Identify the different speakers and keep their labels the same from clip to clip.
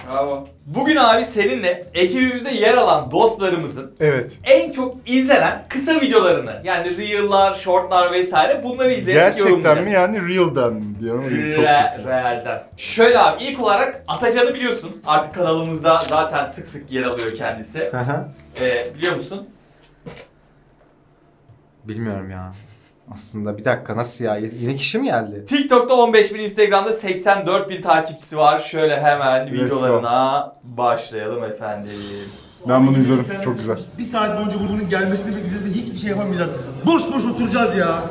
Speaker 1: Bravo. Bugün abi seninle ekibimizde yer alan dostlarımızın
Speaker 2: Evet.
Speaker 1: en çok izlenen kısa videolarını, yani Reel'lar, Short'lar vesaire bunları izleyerek
Speaker 2: Gerçekten
Speaker 1: yorumlayacağız.
Speaker 2: mi yani real'dan mı diyorum. Çok kötü.
Speaker 1: Real'den. Şöyle abi, ilk olarak Atacan'ı biliyorsun. Artık kanalımızda zaten sık sık yer alıyor kendisi. Biliyor musun?
Speaker 3: Bilmiyorum ya. Aslında bir dakika, nasıl ya? Yeni kişi mi geldi?
Speaker 1: TikTok'ta 15.000, Instagram'da 84.000 takipçisi var. Şöyle hemen
Speaker 2: Let's
Speaker 1: videolarına başlayalım efendim.
Speaker 2: Ben bunu izledim. Çok güzel.
Speaker 4: Bir saat boyunca bunun gelmesini bekleyeceğiz ve hiçbir şey yapamayacağız. Boş boş oturacağız ya.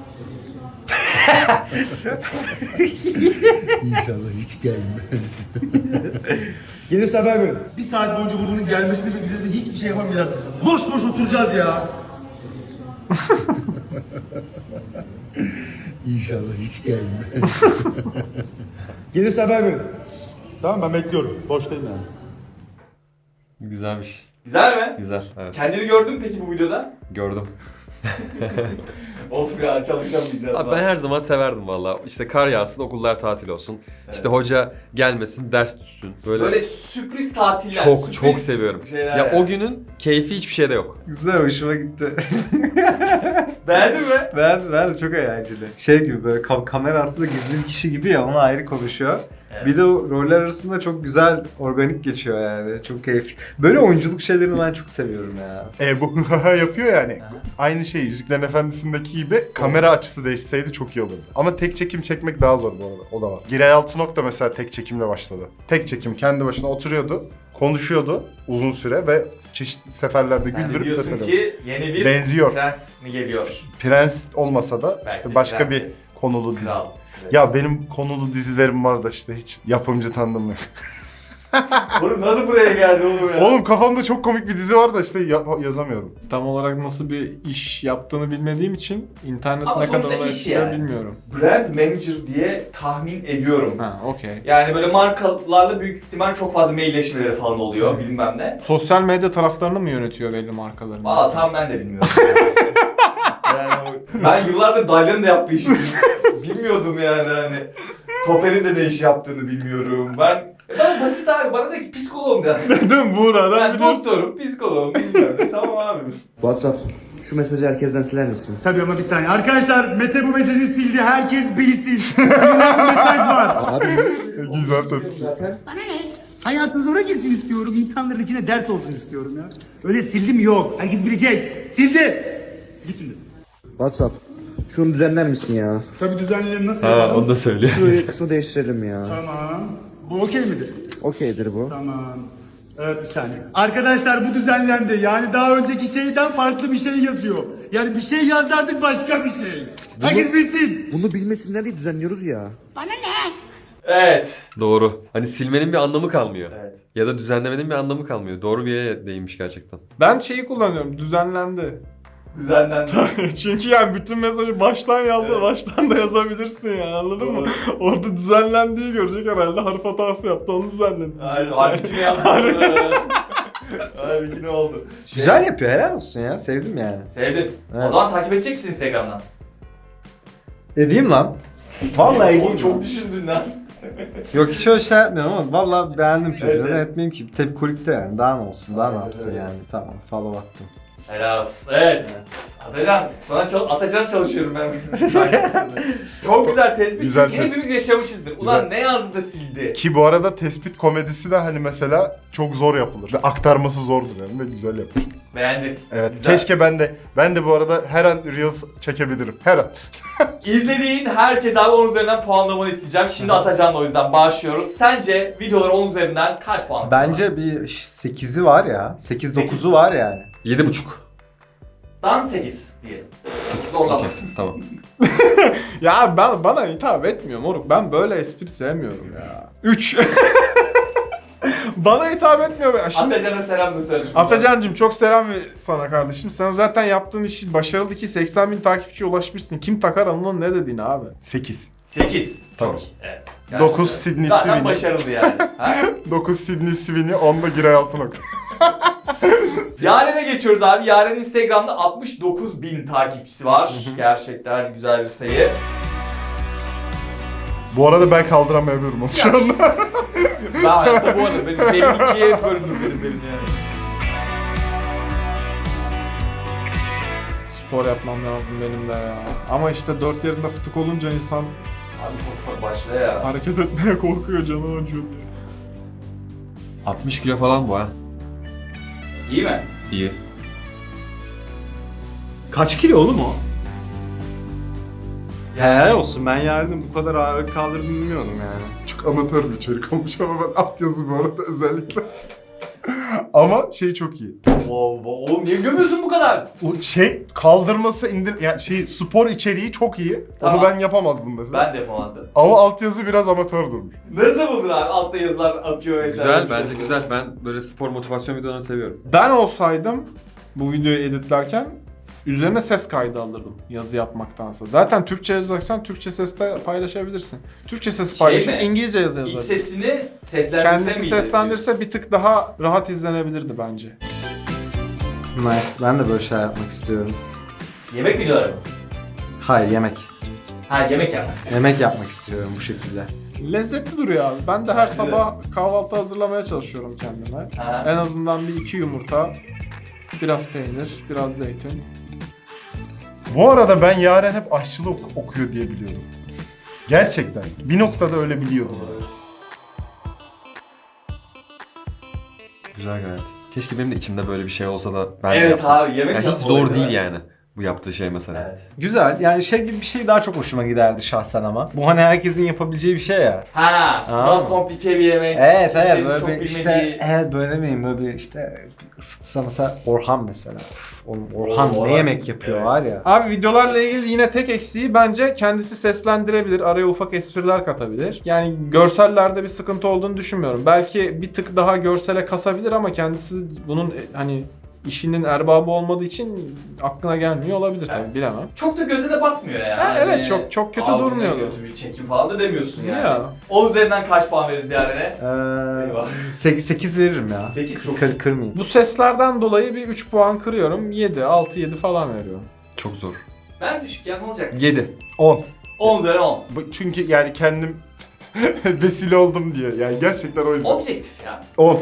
Speaker 4: İnşallah hiç gelmez. Gelirse haber verin. Bir saat boyunca bunun gelmesini bekleyeceğiz ve hiçbir şey yapamayacağız. Boş boş oturacağız ya. İnşallah hiç gelmez. Gelirse haber verin. Tamam, ben bekliyorum. Boştayım yani.
Speaker 3: Güzelmiş.
Speaker 1: Güzel mi?
Speaker 3: Güzel. Evet.
Speaker 1: Kendini gördün mü peki bu videoda?
Speaker 3: Gördüm.
Speaker 1: Of ya, çalışamayacağız.
Speaker 5: Abi ben her zaman severdim valla. İşte kar yağsın, okullar tatil olsun.
Speaker 1: Evet.
Speaker 5: İşte hoca gelmesin, ders tutsun. Böyle
Speaker 1: sürpriz tatiller.
Speaker 5: çok
Speaker 1: sürpriz
Speaker 5: çok seviyorum.
Speaker 1: şeyler
Speaker 5: Ya
Speaker 1: yani.
Speaker 5: o günün keyfi hiçbir şeyde yok.
Speaker 3: Güzel, hoşuma gitti.
Speaker 1: Beğendin mi?
Speaker 3: ben de çok eğlenceli. Şey gibi, böyle kamera aslında gizli bir kişi gibi ya, ona ayrı konuşuyor.
Speaker 1: Evet.
Speaker 3: Bir de o roller arasında çok güzel, organik geçiyor yani. Çok keyifli. Böyle oyunculuk şeylerini ben çok seviyorum ya.
Speaker 2: Bu yapıyor yani. Aynı şey Yüzüklerin Efendisi'ndeki gibi kamera açısı değişseydi çok iyi olurdu. Ama tek çekim çekmek daha zor bu arada. O da var. Giray Altınok da mesela tek çekimle başladı. Tek çekim, kendi başına oturuyordu, konuşuyordu uzun süre ve çeşitli seferlerde
Speaker 1: Sen de
Speaker 2: güldürüp
Speaker 1: diyorsun
Speaker 2: mesela.
Speaker 1: ki yeni bir
Speaker 2: Benziyor.
Speaker 1: prens mi geliyor?
Speaker 2: Prens olmasa da
Speaker 1: Belki
Speaker 2: işte başka
Speaker 1: prenses,
Speaker 2: bir konulu dizi.
Speaker 1: Kral.
Speaker 2: Ya benim konulu dizilerim var da işte hiç yapımcı tanıdım yok.
Speaker 1: Oğlum nasıl buraya geldi oğlum ya?
Speaker 2: Oğlum kafamda çok komik bir dizi var da işte yazamıyorum.
Speaker 6: Tam olarak nasıl bir iş yaptığını bilmediğim için internet
Speaker 1: Ama
Speaker 6: ne kadar
Speaker 1: sonuçta iş
Speaker 6: ulaşıyor
Speaker 1: yani.
Speaker 6: bilmiyorum.
Speaker 1: Brand manager diye tahmin ediyorum.
Speaker 6: Ha, okey.
Speaker 1: Yani böyle markalarla büyük ihtimal çok fazla mailleşmeleri falan oluyor, bilmem ne.
Speaker 6: Sosyal medya taraflarını mı yönetiyor belli markaların?
Speaker 1: Valla tam ben de bilmiyorum. Yani ben yıllardır Dalyan'ın da yaptığı işi bilmiyordum yani hani. Topel'in de ne iş yaptığını bilmiyorum. Ben basit abi, bana da ki psikoloğum de.
Speaker 6: Değil mi Buğra'dan
Speaker 1: Ben
Speaker 6: biliyorsun.
Speaker 1: doktorum, psikoloğum, bilmiyorum. Tamam abi.
Speaker 7: WhatsApp, şu mesajı herkesten siler misin?
Speaker 4: Tabii ama bir saniye. Arkadaşlar, Mete bu mesajı sildi. Herkes bilsin. Silinen bir mesaj var.
Speaker 7: Abi
Speaker 2: Zaten.
Speaker 4: Hayatınız ona girsin istiyorum. İnsanların içine dert olsun istiyorum ya. Öyle sildim yok. Herkes bilecek. Sildi. Git şimdi.
Speaker 7: WhatsApp, şunu düzenler misin ya?
Speaker 4: Tabii düzenleyelim, nasıl
Speaker 5: Ha,
Speaker 4: yapalım?
Speaker 5: onu da söylüyor.
Speaker 7: Şu kısmı değiştirelim ya.
Speaker 4: Tamam. Bu okey midir?
Speaker 7: Okeydir bu.
Speaker 4: Tamam. Evet, bir saniye. Arkadaşlar, bu düzenlendi. Yani daha önceki şeyden farklı bir şey yazıyor. Yani bir şey yazdı, artık başka bir şey. Herkes bilsin.
Speaker 7: Bunu bilmesinler diye düzenliyoruz ya.
Speaker 1: Evet.
Speaker 5: Doğru. Hani silmenin bir anlamı kalmıyor.
Speaker 1: Evet.
Speaker 5: Ya da düzenlemenin bir anlamı kalmıyor. Doğru bir yere değinmiş gerçekten.
Speaker 6: Ben şeyi kullanıyorum, düzenlendi.
Speaker 1: Düzenlendi.
Speaker 6: Çünkü yani bütün mesajı baştan yazdı,
Speaker 1: Evet.
Speaker 6: baştan da yazabilirsin yani, anladın mı? Orada düzenlendiği görecek herhalde, harf hatası yaptı, onu düzenledi.
Speaker 1: Halbuki ne yazdı? Halbuki ne oldu?
Speaker 3: Güzel yapıyor, helal olsun ya. Sevdim yani.
Speaker 1: Sevdim. O
Speaker 3: Evet.
Speaker 1: zaman takip edecek misin Instagram'dan?
Speaker 3: Edeyim lan. Vallahi edeyim.
Speaker 1: Oğlum çok
Speaker 3: lan.
Speaker 1: düşündün lan.
Speaker 3: Yok, hiç öyle şey yapmıyorum ama vallahi beğendim çocuğu.
Speaker 1: Evet,
Speaker 3: Ne
Speaker 1: evet.
Speaker 3: etmeyeyim ki. Tepkolikte yani. Daha ne olsun, daha ne
Speaker 1: Evet,
Speaker 3: yapsın
Speaker 1: evet.
Speaker 3: yani. Tamam, follow attım.
Speaker 1: Helal olsun. Evet. Atacan, Atacan çalışıyorum ben. Çok güzel tespit.
Speaker 2: Güzel
Speaker 1: Çünkü hepimiz yaşamışızdır. Ulan
Speaker 2: Güzel.
Speaker 1: ne yazdı da sildi?
Speaker 2: Ki bu arada tespit komedisi de hani mesela çok zor yapılır. Ve aktarması zordur yani ve güzel yapılır.
Speaker 1: Beğendim.
Speaker 2: Evet.
Speaker 1: Güzel.
Speaker 2: Keşke ben de bu arada her an Reels çekebilirim. Her an.
Speaker 1: İzlediğin herkes abi 10 üzerinden puanlamanı isteyeceğim. Şimdi Atacan'la o yüzden başlıyoruz. Sence videolara 10 üzerinden kaç puan?
Speaker 3: Bence bir 8'i var ya. 8-9'u var yani.
Speaker 5: 7,5.
Speaker 1: Dan 8 diyelim. Zorlama.
Speaker 5: Okey, tamam.
Speaker 6: Ya bana hitap etmiyor moruk, ben böyle espri sevmiyorum ya. 3. Bana hitap etmiyor. Şimdi
Speaker 1: Atacan'a selam da söyle.
Speaker 6: Atacancığım, çok selam sana kardeşim. Sen zaten yaptığın işi başarılı ki 80.000 takipçiye ulaşmışsın. Kim takar anının ne dediğini abi.
Speaker 2: 8.
Speaker 1: 8.
Speaker 2: Tabii.
Speaker 1: Çok iyi. Evet.
Speaker 2: 9 Sydney
Speaker 1: Zaten
Speaker 2: Sweeney.
Speaker 1: başarılı yani. Ha?
Speaker 2: 9 Sydney Sweeney, 10 da Giray Altınok.
Speaker 1: Yaren'e geçiyoruz abi. Yaren'in Instagram'da 69.000 takipçisi var. Gerçekten güzel bir sayı.
Speaker 2: Bu arada ben kaldıramayabilirim onu şu
Speaker 1: Biraz-
Speaker 2: anda.
Speaker 1: Ben hayatta bu arada benim ikiye bölündüm benim yani.
Speaker 6: Spor yapmam lazım benim de ya. Ama işte 4 yerinde fıtık olunca insan
Speaker 1: Abi çok ufak başla ya.
Speaker 6: hareket etmeye korkuyor, canı acıyor diye.
Speaker 5: 60 kilo falan bu ha.
Speaker 1: İyi mi?
Speaker 5: İyi.
Speaker 3: Kaç kilo oğlum o? Helal olsun, ben yarın bu kadar ağırlık kaldırdım bilmiyordum yani.
Speaker 2: Çok amatör bir içerik olmuş ama ben altyazı bu arada özellikle. Ama şey çok iyi.
Speaker 1: Oğlum niye gömüyorsun bu kadar?
Speaker 2: O şey kaldırması yani şey spor içeriği çok iyi.
Speaker 1: Tamam.
Speaker 2: Onu ben yapamazdım mesela.
Speaker 1: Ben de yapamazdım.
Speaker 2: Ama altyazı biraz amatör durmuş.
Speaker 1: Nasıl buldun abi? Altta yazılar akıyor vesaire.
Speaker 5: Güzel, bence güzel. Ben böyle spor motivasyon videolarını seviyorum.
Speaker 6: Ben olsaydım bu videoyu editlerken üzerine ses kaydı alırdım yazı yapmaktansa. Zaten Türkçe yazacaksan Türkçe sesle paylaşabilirsin. Türkçe sesi
Speaker 1: Şey
Speaker 6: paylaşıp
Speaker 1: mi?
Speaker 6: İngilizce yazı
Speaker 1: İç
Speaker 6: yazarsın.
Speaker 1: sesini seslendirse
Speaker 6: Kendisi
Speaker 1: miydi?
Speaker 6: seslendirse bir tık daha rahat izlenebilirdi bence.
Speaker 3: Nice, ben de böyle şeyler yapmak istiyorum.
Speaker 1: Yemek videoları mı?
Speaker 3: Hayır, yemek.
Speaker 1: Ha yemek yapmak istiyorum.
Speaker 3: Yemek yapmak istiyorum bu şekilde.
Speaker 6: Lezzetli duruyor abi. Ben de her
Speaker 1: Bence de.
Speaker 6: sabah kahvaltı hazırlamaya çalışıyorum kendime.
Speaker 1: Ha.
Speaker 6: En azından bir 2 yumurta, biraz peynir, biraz zeytin.
Speaker 2: Bu arada ben Yaren hep aşçılık okuyor diye biliyordum. Gerçekten. Bir noktada öyle biliyordum.
Speaker 5: Güzel gayet. Keşke benim de içimde böyle bir şey olsa da ben de
Speaker 1: Evet
Speaker 5: yapsam.
Speaker 1: abi yemek
Speaker 5: Yani hiç
Speaker 1: yapmak
Speaker 5: zor
Speaker 1: olayı
Speaker 5: değil
Speaker 1: mi?
Speaker 5: yani bu yaptığı şey mesela.
Speaker 1: Evet.
Speaker 3: Güzel, yani şey gibi bir şey daha çok hoşuma giderdi şahsen ama. Bu hani herkesin yapabileceği bir şey ya.
Speaker 1: Ha, daha
Speaker 3: Aa.
Speaker 1: komplike bir yemek.
Speaker 3: Evet
Speaker 1: kimsenin
Speaker 3: evet, böyle
Speaker 1: çok
Speaker 3: bir
Speaker 1: bilmediği.
Speaker 3: işte, evet böyle miyim, böyle bir işte ısıtsa mesela Orhan mesela. Üf, oğlum Orhan
Speaker 1: Oo,
Speaker 3: ne yemek yapıyor
Speaker 1: evet.
Speaker 3: var ya.
Speaker 6: Abi videolarla ilgili yine tek eksiği bence kendisi seslendirebilir, araya ufak espriler katabilir. Yani görsellerde bir sıkıntı olduğunu düşünmüyorum. Belki bir tık daha görsele kasabilir ama kendisi bunun hani işinin erbabı olmadığı için aklına gelmiyor olabilir tabii,
Speaker 1: Evet.
Speaker 6: bilemem.
Speaker 1: Çok da göze de batmıyor yani.
Speaker 6: Ha, evet, çok kötü
Speaker 1: "Aa, bu ne
Speaker 6: durmuyordu."
Speaker 1: kötü bir çekim falan da demiyorsun yani.
Speaker 6: Ya.
Speaker 1: 10 üzerinden kaç puan veririz Yaren'e? Eyvah.
Speaker 3: 8 veririm ya.
Speaker 1: 8 çok.
Speaker 3: Kırmayayım.
Speaker 6: Bu seslerden dolayı bir 3 puan kırıyorum. 7, 6-7 falan veriyorum.
Speaker 5: Çok zor.
Speaker 1: Ben düşük ya ne olacak?
Speaker 5: 7.
Speaker 2: 10.
Speaker 1: 10 üzerinden 10.
Speaker 2: Çünkü yani kendim vesile oldum diye. Yani gerçekten o yüzden.
Speaker 1: Objektif ya.
Speaker 2: 10.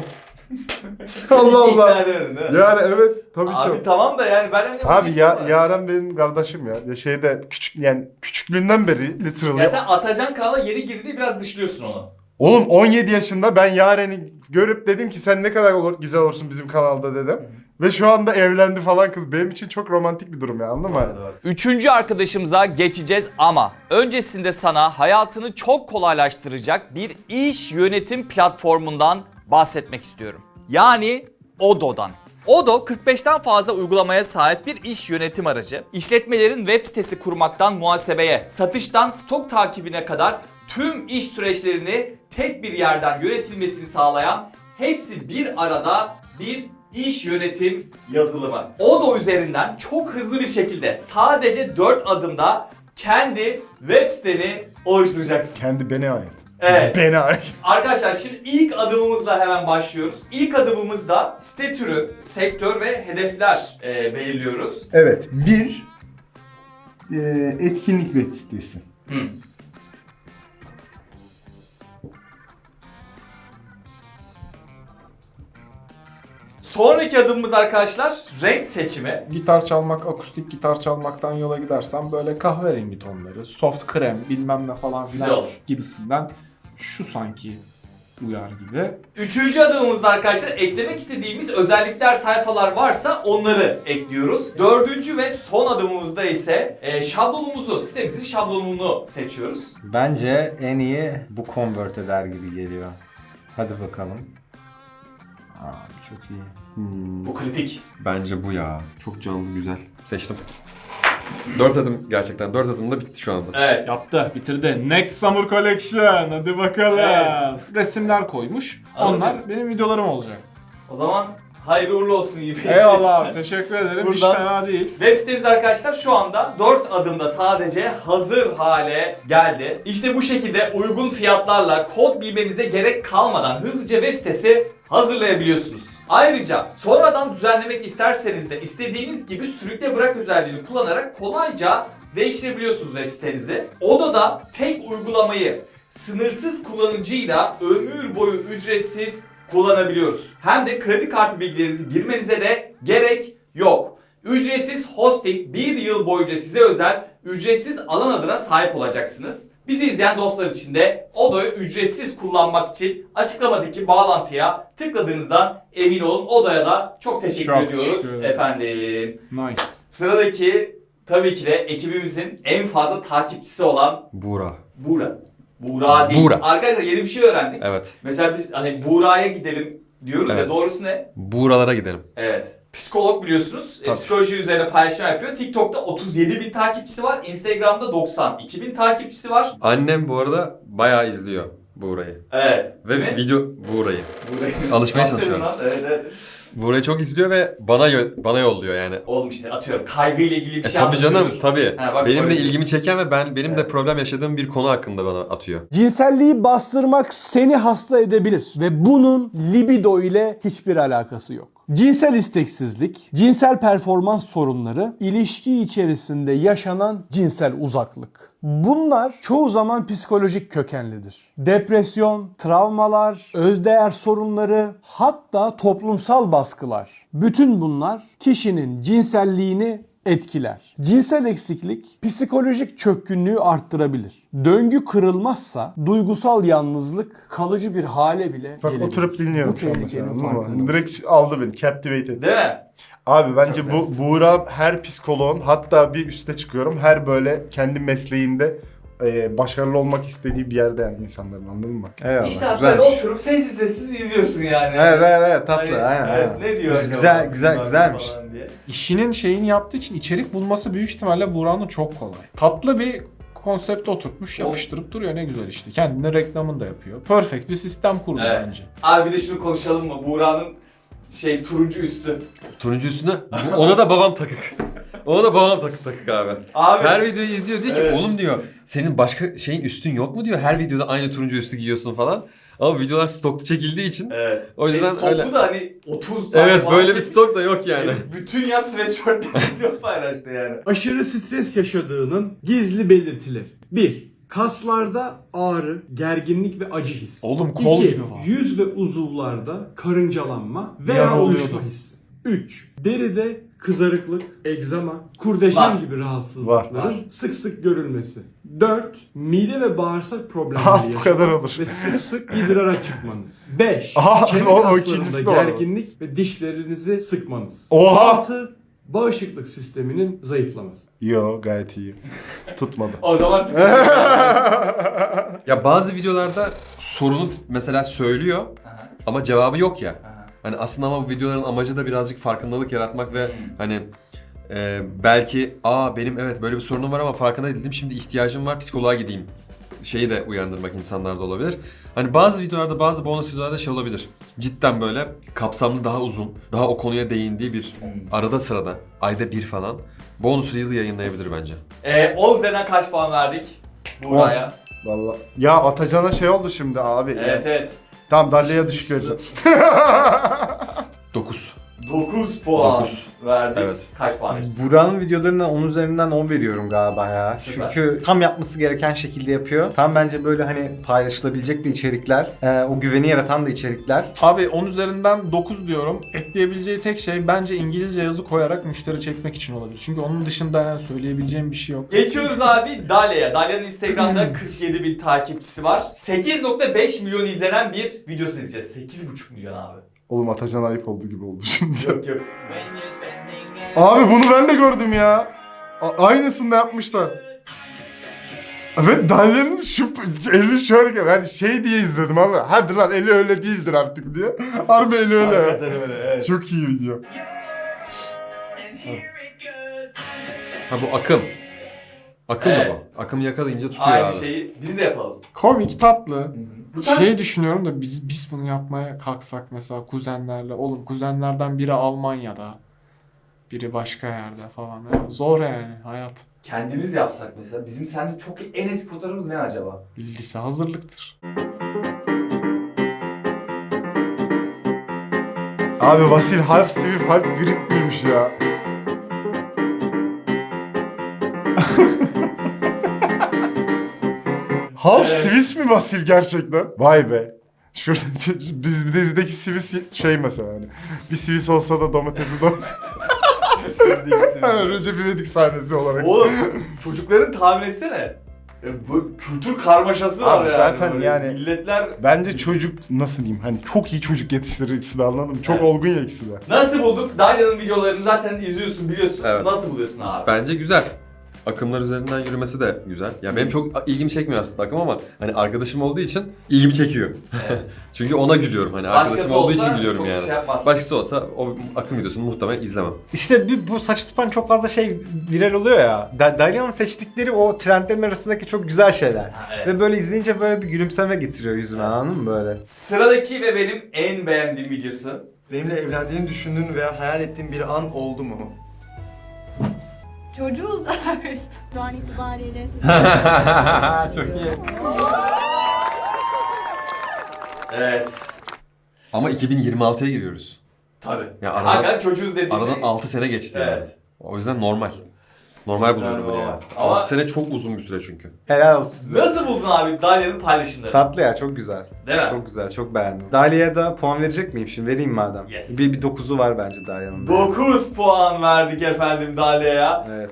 Speaker 1: Hiç
Speaker 2: Allah Allah.
Speaker 1: ikna edemedin değil mi?
Speaker 2: Yani evet tabii
Speaker 1: Abi
Speaker 2: ki.
Speaker 1: tamam da yani ben hani
Speaker 2: Abi ya,
Speaker 1: objektif olarak-
Speaker 2: Yaren benim kardeşim ya. Ya şeyde küçük yani küçüklüğünden beri literally.
Speaker 1: Ya sen Atacan kanala yeri girdi biraz dışlıyorsun onu.
Speaker 2: Oğlum 17 yaşında ben Yaren'i görüp dedim ki sen ne kadar güzel olursun bizim kanalda dedim. Ve şu anda evlendi falan kız. Benim için çok romantik bir durum ya, anladın mı?
Speaker 8: Üçüncü arkadaşımıza geçeceğiz ama öncesinde sana hayatını çok kolaylaştıracak bir iş yönetim platformundan bahsetmek istiyorum. Yani Odoo'dan. Odoo 45'ten fazla uygulamaya sahip bir iş yönetim aracı. İşletmelerin web sitesi kurmaktan muhasebeye, satıştan stok takibine kadar tüm iş süreçlerini tek bir yerden yönetilmesini sağlayan, hepsi bir arada bir iş yönetim yazılımı. Odoo üzerinden çok hızlı bir şekilde sadece 4 adımda kendi web siteni oluşturacaksın.
Speaker 2: Kendi bana ait.
Speaker 1: Evet.
Speaker 2: Bana ait.
Speaker 1: Arkadaşlar şimdi ilk adımımızla hemen başlıyoruz. İlk adımımızda site türü, sektör ve hedefler belirliyoruz.
Speaker 2: Evet. Bir etkinlik web sitesi.
Speaker 1: Hı. Sonraki adımımız arkadaşlar renk seçimi.
Speaker 6: Gitar çalmak, akustik gitar çalmaktan yola gidersem böyle kahverengi tonları, soft krem bilmem ne falan
Speaker 1: Güzel
Speaker 6: filan
Speaker 1: olur.
Speaker 6: gibisinden şu sanki uyar gibi.
Speaker 1: Üçüncü adımımızda arkadaşlar eklemek istediğimiz özellikler, sayfalar varsa onları ekliyoruz. Dördüncü ve son adımımızda ise şablonumuzu, sitemizin şablonunu seçiyoruz.
Speaker 3: Bence en iyi bu convert eder gibi geliyor. Hadi bakalım. Aa, çok iyi.
Speaker 1: Bu kritik.
Speaker 5: Bence bu ya. Çok canlı, güzel. Seçtim. 4 adım gerçekten. 4 adımda bitti şu anda.
Speaker 1: Evet.
Speaker 6: Yaptı, bitirdi. Next Summer Collection, hadi bakalım.
Speaker 1: Evet.
Speaker 6: Resimler koymuş.
Speaker 1: Anladım.
Speaker 6: Onlar benim videolarım olacak.
Speaker 1: O zaman hayırlı uğurlu olsun gibi.
Speaker 6: Eyvallah abi, teşekkür ederim. Hiç
Speaker 1: Buradan-
Speaker 6: fena değil.
Speaker 1: Web sitemiz arkadaşlar şu anda 4 adımda sadece hazır hale geldi. İşte bu şekilde uygun fiyatlarla kod bilmenize gerek kalmadan hızlıca web sitesi hazırlayabiliyorsunuz. Ayrıca sonradan düzenlemek isterseniz de istediğiniz gibi sürükle bırak özelliğini kullanarak kolayca değiştirebiliyorsunuz web sitenizi. Odoo'da tek uygulamayı
Speaker 8: sınırsız kullanıcıyla ömür boyu ücretsiz kullanabiliyoruz. Hem de kredi kartı bilgilerinizi girmenize de gerek yok. Ücretsiz hosting 1 yıl boyunca size özel ücretsiz alan adına sahip olacaksınız. Bizi izleyen dostlar için de Odo'yu ücretsiz kullanmak için açıklamadaki bağlantıya tıkladığınızdan emin olun. Odo'ya da çok teşekkür
Speaker 6: Çok
Speaker 8: ediyoruz
Speaker 6: teşekkür ederiz.
Speaker 8: efendim.
Speaker 6: Nice.
Speaker 8: Sıradaki tabii ki de ekibimizin en fazla takipçisi olan
Speaker 5: Buğra.
Speaker 8: Buğra. Buğra değil.
Speaker 5: Buğra.
Speaker 8: Arkadaşlar yeni bir şey öğrendik.
Speaker 5: Evet.
Speaker 8: Mesela biz hani Buğra'ya gidelim diyoruz ya,
Speaker 5: Evet.
Speaker 8: doğrusu ne?
Speaker 5: Buğralara gidelim.
Speaker 8: Evet. Psikolog biliyorsunuz.
Speaker 5: Tabii.
Speaker 8: Psikoloji üzerine paylaşım yapıyor. TikTok'ta 37.000 takipçisi var. Instagram'da 92.000 takipçisi var.
Speaker 5: Annem bu arada bayağı izliyor Buğra'yı.
Speaker 8: Evet.
Speaker 5: Ve
Speaker 8: Değil mi?
Speaker 5: video Buğra'yı.
Speaker 8: Buğra'yı
Speaker 5: Alışmaya
Speaker 8: Aferin
Speaker 5: çalışıyorum.
Speaker 8: lan, Evet evet.
Speaker 5: Buğra'yı çok izliyor ve bana yolluyor yani.
Speaker 8: Oğlum işte atıyorum kaygıyla ilgili bir şey
Speaker 5: Tabii canım
Speaker 8: anlatıyordur.
Speaker 5: tabii.
Speaker 8: Ha, bak
Speaker 5: Benim de
Speaker 8: böyle-
Speaker 5: ilgimi çeken ve benim de
Speaker 8: Evet.
Speaker 5: problem yaşadığım bir konu hakkında bana atıyor.
Speaker 9: Cinselliği bastırmak seni hasta edebilir ve bunun libido ile hiçbir alakası yok. Cinsel isteksizlik, cinsel performans sorunları, ilişki içerisinde yaşanan cinsel uzaklık. Bunlar çoğu zaman psikolojik kökenlidir. Depresyon, travmalar, özdeğer sorunları, hatta toplumsal baskılar. Bütün bunlar kişinin cinselliğini etkiler. Cinsel eksiklik psikolojik çökkünlüğü arttırabilir. Döngü kırılmazsa duygusal yalnızlık kalıcı bir hale bile
Speaker 2: Bak
Speaker 9: gelebilir.
Speaker 2: oturup dinliyorum
Speaker 9: Bu
Speaker 2: şu an
Speaker 9: tehlikenin
Speaker 2: mesela. anladın mı?
Speaker 9: farkında
Speaker 2: Direkt aldı beni. Captivate etti.
Speaker 8: Değil mi?
Speaker 2: Abi bence
Speaker 8: Çok
Speaker 2: bu Buğra her psikoloğun, hatta bir üste çıkıyorum, her böyle kendi mesleğinde başarılı olmak istediği bir yerde yani insanların, anladın mı?
Speaker 3: Eyvallah.
Speaker 8: İşte böyle
Speaker 3: güzelmiş.
Speaker 8: oturup sessiz sessiz izliyorsun yani.
Speaker 3: Evet tatlı
Speaker 8: Hani,
Speaker 3: aynen.
Speaker 8: evet,
Speaker 3: aynen.
Speaker 8: ne diyor acaba?
Speaker 3: Güzel
Speaker 8: bunlar
Speaker 3: güzelmiş.
Speaker 8: falan diye.
Speaker 6: İşinin şeyini yaptığı için içerik bulması büyük ihtimalle Buğra'nın çok kolay. Tatlı bir konsepte oturtmuş, yapıştırıp duruyor, ne güzel işte. Kendine reklamını da yapıyor. Perfect bir sistem kurdu
Speaker 8: Evet.
Speaker 6: bence.
Speaker 8: Abi bir de şunu konuşalım mı? Buğra'nın turuncu üstü.
Speaker 5: Turuncu üstüne ona da babam takık. Ona da babam takık abi.
Speaker 8: Abi
Speaker 5: Her videoyu izliyor diyor ki
Speaker 8: Evet.
Speaker 5: oğlum diyor senin başka şeyin üstün yok mu diyor. Her videoda aynı turuncu üstü giyiyorsun falan. Ama videolar stoklu çekildiği için
Speaker 8: evet.
Speaker 5: o yüzden
Speaker 8: stoklu
Speaker 5: öyle.
Speaker 8: da hani 30 tane
Speaker 5: Evet
Speaker 8: falan
Speaker 5: böyle bir
Speaker 8: çekmiş.
Speaker 5: stok da yok yani.
Speaker 8: Bütün yaz sweatshirt'le video paylaştı yani.
Speaker 4: Aşırı stres yaşadığının gizli belirtileri. 1. Kaslarda ağrı, gerginlik ve acı hissi.
Speaker 6: Oğlum kol
Speaker 4: 2.
Speaker 6: gibi var.
Speaker 4: Yüz ve uzuvlarda karıncalanma
Speaker 6: Bir
Speaker 4: veya
Speaker 6: ara
Speaker 4: uyuşma
Speaker 6: oluyordu.
Speaker 4: hissi. 3. Deride kızarıklık, egzama, kurdeşen
Speaker 8: Var.
Speaker 4: gibi rahatsızlıkların
Speaker 8: Var.
Speaker 4: sık sık görülmesi. 4. Mide ve bağırsak problemleri
Speaker 2: Ah, bu
Speaker 4: yaşamak
Speaker 2: kadar olur.
Speaker 4: ve sık sık idrara çıkmanız. 5.
Speaker 2: Aha,
Speaker 4: Çene
Speaker 2: o ikincisi
Speaker 4: kaslarında
Speaker 2: de var.
Speaker 4: gerginlik ve dişlerinizi sıkmanız.
Speaker 2: Oha!
Speaker 4: 6. Bağışıklık sisteminin zayıflaması.
Speaker 2: Yo, gayet iyi. Tutmadı.
Speaker 8: O zaman sıkıntı yok.
Speaker 5: Ya bazı videolarda sorunu mesela söylüyor ama cevabı yok ya. Hani aslında ama bu videoların amacı da birazcık farkındalık yaratmak ve hani belki benim evet böyle bir sorunum var ama farkında değildim. Şimdi ihtiyacım var, psikoloğa gideyim. Şeyi de uyandırmak insanlarda olabilir. Hani bazı videolarda, bazı bonus videolarda şey olabilir. Cidden böyle kapsamlı, daha uzun, daha o konuya değindiği bir arada sırada, ayda bir falan bonus reel yayınlayabilir bence.
Speaker 8: 10 üzerinden kaç puan verdik Buğra'ya?
Speaker 2: Vallahi. Ya Atacan'a şey oldu şimdi abi.
Speaker 8: Evet evet.
Speaker 2: Tamam, Dalya'ya düşük vereceğim.
Speaker 5: 9.
Speaker 8: 9 puan
Speaker 5: 9.
Speaker 8: verdik.
Speaker 5: Evet.
Speaker 8: Kaç puan verirsin?
Speaker 3: Buğra'nın videolarına 10 üzerinden 10 veriyorum galiba ya.
Speaker 8: Süper.
Speaker 3: Çünkü tam yapması gereken şekilde yapıyor. Tam bence böyle hani paylaşılabilecek de içerikler, o güveni yaratan da içerikler.
Speaker 6: Abi 10 üzerinden 9 diyorum. Ekleyebileceği tek şey bence İngilizce yazı koyarak müşteri çekmek için olabilir. Çünkü onun dışında yani söyleyebileceğim bir şey yok.
Speaker 8: Geçiyoruz abi Dalya'ya. Dalya'nın Instagram'da 47.000 takipçisi var. 8.5 milyon izlenen bir videosunu izleyeceğiz. 8.5 milyon abi.
Speaker 2: Oğlum Atacan ayıp oldu gibi oldu şimdi.
Speaker 8: Yok yok.
Speaker 2: Abi bunu ben de gördüm ya. Aynısını da yapmışlar. Evet, Dalya'nın şu eli şöyle, yani şey diye izledim ama hadi lan eli öyle değildir artık diye. Harbi eli öyle.
Speaker 8: Hakikaten öyle evet.
Speaker 2: Çok iyi video.
Speaker 5: Ha bu akım. Akım
Speaker 8: Evet.
Speaker 5: mı bu? Akım yakalayınca tutuyor
Speaker 8: Aynı
Speaker 5: abi.
Speaker 8: şeyi biz de yapalım.
Speaker 6: Komik, tatlı.
Speaker 8: Bu tarz-
Speaker 6: Şey düşünüyorum da biz bunu yapmaya kalksak mesela kuzenlerle. Oğlum kuzenlerden biri Almanya'da. Biri başka yerde falan. Ya zor yani hayat.
Speaker 8: Kendimiz yapsak mesela. Bizim seninle çok en eski fotoğrafımız ne acaba?
Speaker 6: Lise hazırlıktır.
Speaker 2: Abi Vasil half sivif half grip miymiş ya? Half Swiss mi Vasil gerçekten? Vay be. Şurada biz dizideki Swiss şey mesela hani. Bir Swiss olsa da domatesi de Recep İvedik sahnesi olarak.
Speaker 1: Oğlum çocukların tahmin etsene. Bu kültür karmaşası var
Speaker 2: Abi
Speaker 1: yani.
Speaker 2: zaten
Speaker 1: Böyle
Speaker 2: yani-
Speaker 1: milletler
Speaker 2: Bence çocuk nasıl diyeyim hani çok iyi çocuk yetiştirir ikisi de anladın mı? Çok
Speaker 1: Evet.
Speaker 2: olgun ya ikisi de.
Speaker 1: nasıl bulduk? Dalya'nın videolarını zaten izliyorsun, biliyorsun.
Speaker 5: Evet.
Speaker 1: Nasıl buluyorsun abi?
Speaker 5: Bence güzel. Akımlar üzerinden yürümesi de güzel. Ya benim çok ilgimi çekmiyor aslında akım ama hani arkadaşım olduğu için ilgimi çekiyor.
Speaker 1: Evet.
Speaker 5: Çünkü ona gülüyorum hani arkadaşım
Speaker 1: Başkası
Speaker 5: olduğu
Speaker 1: olsa
Speaker 5: için gülüyorum
Speaker 1: çok
Speaker 5: yani.
Speaker 1: şey yapmaz.
Speaker 5: Başkası olsa o akım videosunu muhtemelen izlemem.
Speaker 3: İşte bu saçma sapan çok fazla şey viral oluyor ya. Dalya'nın seçtikleri o trendlerin arasındaki çok güzel şeyler.
Speaker 1: Ha, evet.
Speaker 3: Ve böyle izleyince böyle bir gülümseme getiriyor yüzüme, anladın mı böyle?
Speaker 1: Sıradaki ve benim en beğendiğim videosu.
Speaker 10: Benimle evlendiğini düşündüğün veya hayal ettiğin bir an oldu mu?
Speaker 11: Çocuğuz da biz. Şu an itibariyle
Speaker 5: Çok iyi.
Speaker 1: Evet.
Speaker 5: Ama 2026'ya giriyoruz.
Speaker 1: Tabii.
Speaker 5: Ya
Speaker 1: Hakikaten çocuğuz dediğinde...
Speaker 5: Aradan 6 sene geçti yani.
Speaker 1: Evet.
Speaker 5: O yüzden normal. Normal buluyorum bunu
Speaker 1: Normal.
Speaker 5: yani.
Speaker 1: Ama-
Speaker 5: 6 sene çok uzun bir süre çünkü.
Speaker 3: Helal olsun size.
Speaker 1: Nasıl buldun abi Dalya'nın paylaşımlarını?
Speaker 3: Tatlı ya, çok güzel.
Speaker 1: Değil mi?
Speaker 3: Çok güzel, çok beğendim. Dalya'ya da puan verecek miyim şimdi? Vereyim madem.
Speaker 1: Yes.
Speaker 3: Bir 9'u var bence Dalya'nın.
Speaker 1: 9 puan verdik efendim Dalya'ya.
Speaker 3: Evet.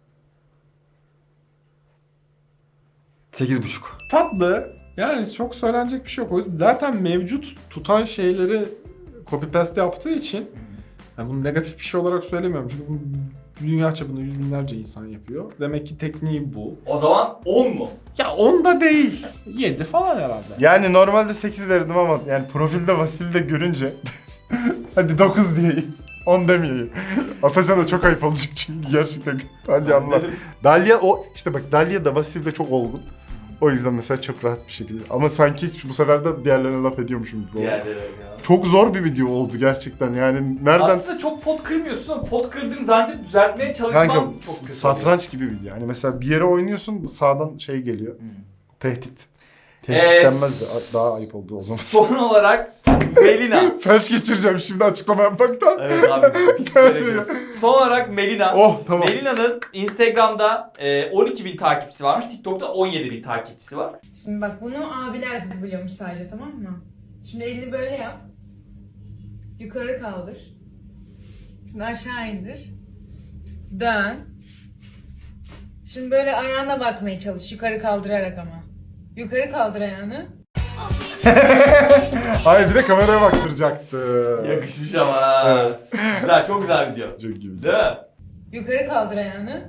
Speaker 5: 8,5.
Speaker 6: Tatlı. Yani çok söylenecek bir şey yok. O yüzden zaten mevcut tutan şeyleri copy paste yaptığı için yani bunu negatif bir şey olarak söylemiyorum. Çünkü bunu dünya çapında yüz binlerce insan yapıyor. Demek ki tekniği bu.
Speaker 1: O zaman 10 mu?
Speaker 6: Ya 10 da değil. 7 falan herhalde.
Speaker 2: Yani normalde 8 verirdim ama yani profilde Vasil'de görünce hadi 9 diyeyim. 10 demeyeyim. Atacan da çok ayıp olacak çünkü gerçekten Dalya anlar.
Speaker 1: Dedim.
Speaker 2: Dalya o işte bak Dalya da Vasil'de çok olgun. O yüzden mesela çok rahat bir şekilde. Ama sanki bu sefer de diğerlerine laf ediyormuşum gibi oldu.
Speaker 1: Diğerleri ya.
Speaker 2: Çok zor bir video oldu gerçekten yani nereden...
Speaker 1: Aslında çok pot kırmıyorsun ama pot kırdığını zannedip düzeltmeye çalışman
Speaker 2: Kanka
Speaker 1: çok kötü.
Speaker 2: satranç gibi video. Yani mesela bir yere oynuyorsun sağdan şey geliyor.
Speaker 1: Hmm.
Speaker 2: Tehdit. Tehdit denmez de daha ayıp oldu o zaman.
Speaker 1: Son olarak Melina.
Speaker 2: Felç geçireceğim şimdi açıklama yapmaktan.
Speaker 1: Evet abi hiç gerek yok. Son olarak Melina.
Speaker 2: Oh tamam.
Speaker 1: Melina'nın Instagram'da 12.000 takipçisi varmış. TikTok'ta 17.000 takipçisi var.
Speaker 11: Şimdi bak bunu abiler biliyormuş sadece, tamam mı? Şimdi elini böyle yap. Yukarı kaldır. Şimdi aşağı indir. Dön. Şimdi böyle ayağına bakmaya çalış. Yukarı kaldırarak ama. Yukarı kaldır ayağını.
Speaker 2: Hayır bir de kameraya baktıracaktı.
Speaker 1: Yakışmış ama. Güzel, çok güzel video.
Speaker 2: Çok gibi.
Speaker 1: Değil mi?
Speaker 11: Yukarı kaldır ayağını.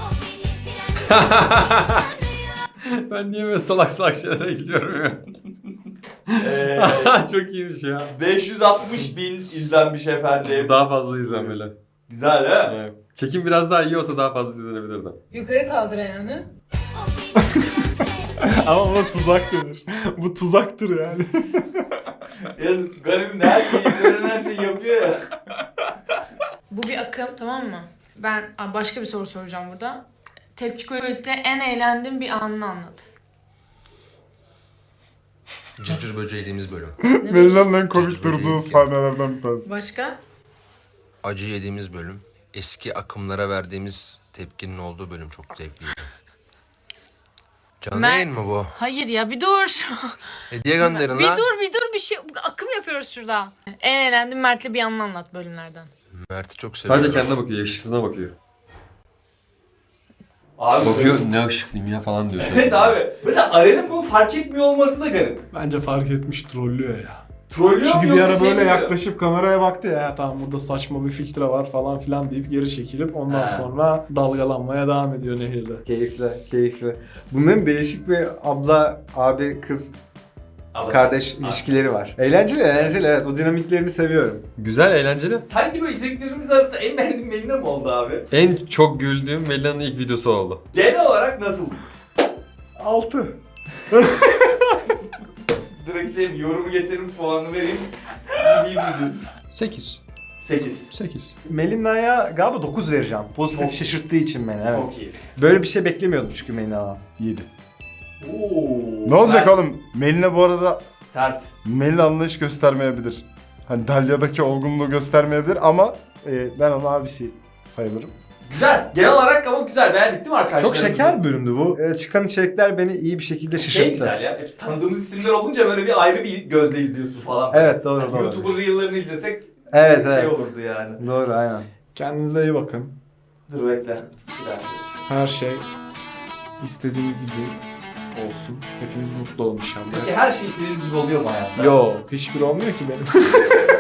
Speaker 5: Ben niye böyle salak salak şeylere gülüyorum ya? Çok iyiymiş ya.
Speaker 1: 560.000 izlenmiş efendim.
Speaker 5: Daha fazla izlenmeli.
Speaker 1: Güzel he?
Speaker 5: Evet. Çekim biraz daha iyi olsa daha fazla izlenebilirdi.
Speaker 11: Yukarı kaldır ayağını.
Speaker 6: Ama buna tuzak denir. Bu tuzaktır yani.
Speaker 1: Yazık garibim de her şeyi söylenen her şeyi yapıyor ya.
Speaker 11: Bu bir akım, tamam mı? Ben başka bir soru soracağım burada. Tepki Kulüp'te en eğlendiğin bir anını anlat.
Speaker 12: Cırcır böceği yediğimiz bölüm.
Speaker 2: Melina'nın en komik
Speaker 12: Cırcır böceği
Speaker 2: durduğu
Speaker 12: yedik.
Speaker 2: sahnelerden bir tanesi.
Speaker 11: Başka?
Speaker 12: Acı yediğimiz bölüm. Eski akımlara verdiğimiz tepkinin olduğu bölüm çok zevkliydi. Canlı yayın mı bu?
Speaker 11: Hayır ya, bir dur.
Speaker 12: Hediye gönderin
Speaker 11: bir
Speaker 12: lan.
Speaker 11: dur bir şey. Akım yapıyoruz şurada. En eğlendiğin Mert'le bir anını anlat bölümlerden.
Speaker 12: Mert'i çok seviyorum.
Speaker 5: Sadece kendine bakıyor, yakışıklığına bakıyor.
Speaker 1: Abi
Speaker 5: Bakıyor ne yakışıklıyım ya falan diyor.
Speaker 1: Evet abi. Mesela Aren'in bunu fark etmiyor olması da garip.
Speaker 6: Bence fark etmiş, trollüyor ya.
Speaker 1: Trollüyor mu
Speaker 6: Çünkü bir
Speaker 1: yoksa
Speaker 6: ara
Speaker 1: şey
Speaker 6: böyle
Speaker 1: mi diyor?
Speaker 6: yaklaşıp kameraya baktı ya, tamam burada saçma bir filtre var falan filan deyip geri çekilip ondan sonra dalgalanmaya devam ediyor nehirde.
Speaker 3: Keyifli, keyifli. Bunların değişik bir abla, abi, kız, kardeş ilişkileri var. Eğlenceli, eğlenceli, evet. O dinamiklerini seviyorum.
Speaker 5: Güzel, eğlenceli.
Speaker 1: Sanki böyle izlediklerimiz arasında en beğendiğim Melina mı oldu abi?
Speaker 5: En çok güldüğüm Melina'nın ilk videosu oldu.
Speaker 1: Genel olarak nasıl bulduk?
Speaker 6: 6.
Speaker 1: Direkt yorumu geçelim, puanı vereyim. Gideyim gidiyoruz.
Speaker 5: 8.
Speaker 1: 8.
Speaker 5: 8.
Speaker 3: Melina'ya galiba 9 vereceğim. Pozitif
Speaker 1: Çok-
Speaker 3: şaşırttığı için beni, evet.
Speaker 1: Çok iyi.
Speaker 3: Böyle bir şey beklemiyordum çünkü Melina'dan.
Speaker 2: 7.
Speaker 1: Oo,
Speaker 2: Ne olacak
Speaker 1: sert.
Speaker 2: oğlum? Melina bu arada
Speaker 1: Sert.
Speaker 2: Melina anlayış göstermeyebilir. Hani Dalya'daki olgunluğu göstermeyebilir ama ben onun abisi sayılırım.
Speaker 1: Güzel. Genel olarak ama güzel. Beğendik değil mi arkadaşlar?
Speaker 3: Çok şeker bir bölümdü bu. Çıkan içerikler beni iyi bir şekilde şaşırttı.
Speaker 1: Güzel ya. Hepsi tanıdığımız isimler olunca böyle bir ayrı bir gözle izliyorsun falan.
Speaker 3: Evet doğru
Speaker 1: Yani
Speaker 3: doğru.
Speaker 1: YouTube'un reel'larını izlesek
Speaker 3: Evet
Speaker 1: şey
Speaker 3: evet.
Speaker 1: olurdu yani.
Speaker 3: Doğru aynen.
Speaker 6: Kendinize iyi bakın.
Speaker 1: Dur bekle. Bir daha.
Speaker 6: Her şey istediğiniz gibi olsun. Hepiniz mutlu olun inşallah.
Speaker 1: Peki her şey istediğiniz gibi oluyor mu hayatta?
Speaker 6: Yok, hiçbir olmuyor ki benim.